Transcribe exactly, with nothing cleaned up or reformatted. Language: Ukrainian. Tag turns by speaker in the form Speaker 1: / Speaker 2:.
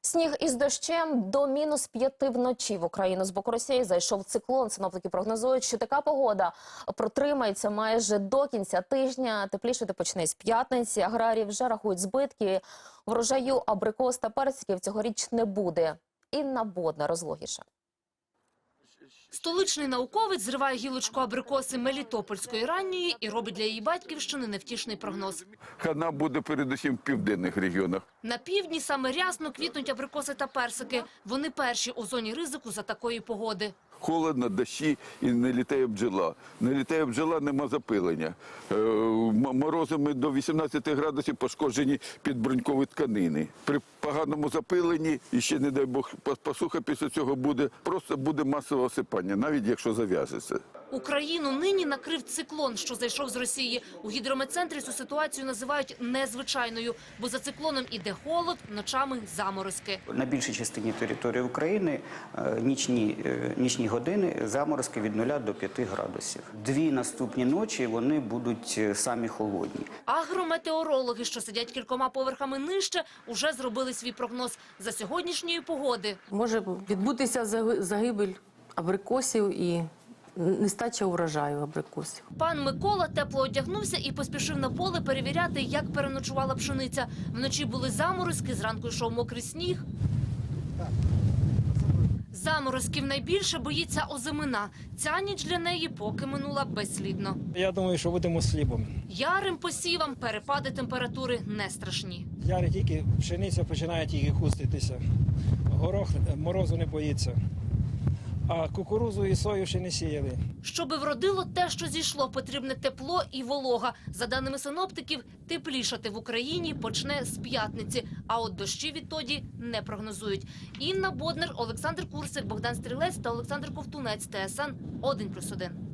Speaker 1: Сніг із дощем до мінус п'яти вночі в Україну з боку Росії зайшов циклон. Синоптики прогнозують, що така погода протримається майже до кінця тижня. Теплішати почне з п'ятниці. Аграрії вже рахують збитки. Врожаю абрикос та персиків цьогоріч не буде. Інна Бодна розлогіше.
Speaker 2: Столичний науковець зриває гілочку абрикоси мелітопольської ранньої і робить для її батьківщини невтішний прогноз.
Speaker 3: Хана буде передусім в південних регіонах.
Speaker 2: На півдні саме рясно квітнуть абрикоси та персики. Вони перші у зоні ризику за такої погоди.
Speaker 3: Холодно, дощі і не літає бджола. Не літає бджола, нема запилення. Е, морозами до вісімнадцяти градусів пошкоджені підбрунькові тканини. При поганому запиленні, і ще, не дай Бог, посуха після цього буде, просто буде масове осипання, навіть якщо зав'яжеться.
Speaker 2: Україну нині накрив циклон, що зайшов з Росії. У гідрометцентрі цю ситуацію називають незвичайною, бо за циклоном іде холод, ночами заморозки.
Speaker 4: На більшій частині території України нічні, нічні години заморозки від нуля до п'яти градусів. Дві наступні ночі вони будуть самі холодні.
Speaker 2: Агрометеорологи, що сидять кількома поверхами нижче, уже зробили свій прогноз за сьогоднішньої погоди.
Speaker 5: Може відбутися загибель абрикосів і нестача урожаю абрикосів.
Speaker 2: Пан Микола тепло одягнувся і поспішив на поле перевіряти, як переночувала пшениця. Вночі були заморозки, зранку йшов мокрий сніг. Заморозків найбільше боїться озимина. Ця ніч для неї поки минула безслідно.
Speaker 6: Я думаю, що будемо з хлібом.
Speaker 2: Ярим посівам перепади температури не страшні.
Speaker 6: Яри тільки, пшениця починає тільки хуститися. Горох морозу не боїться. А кукурудзу і сою ще не сіяли.
Speaker 2: Щоби вродило те, що зійшло, потрібне тепло і волога. За даними синоптиків, теплішати в Україні почне з п'ятниці, а от дощі відтоді не прогнозують. Інна Боднар, Олександр Курсик, Богдан Стрілець та Олександр Ковтунець. ТСН один плюс один.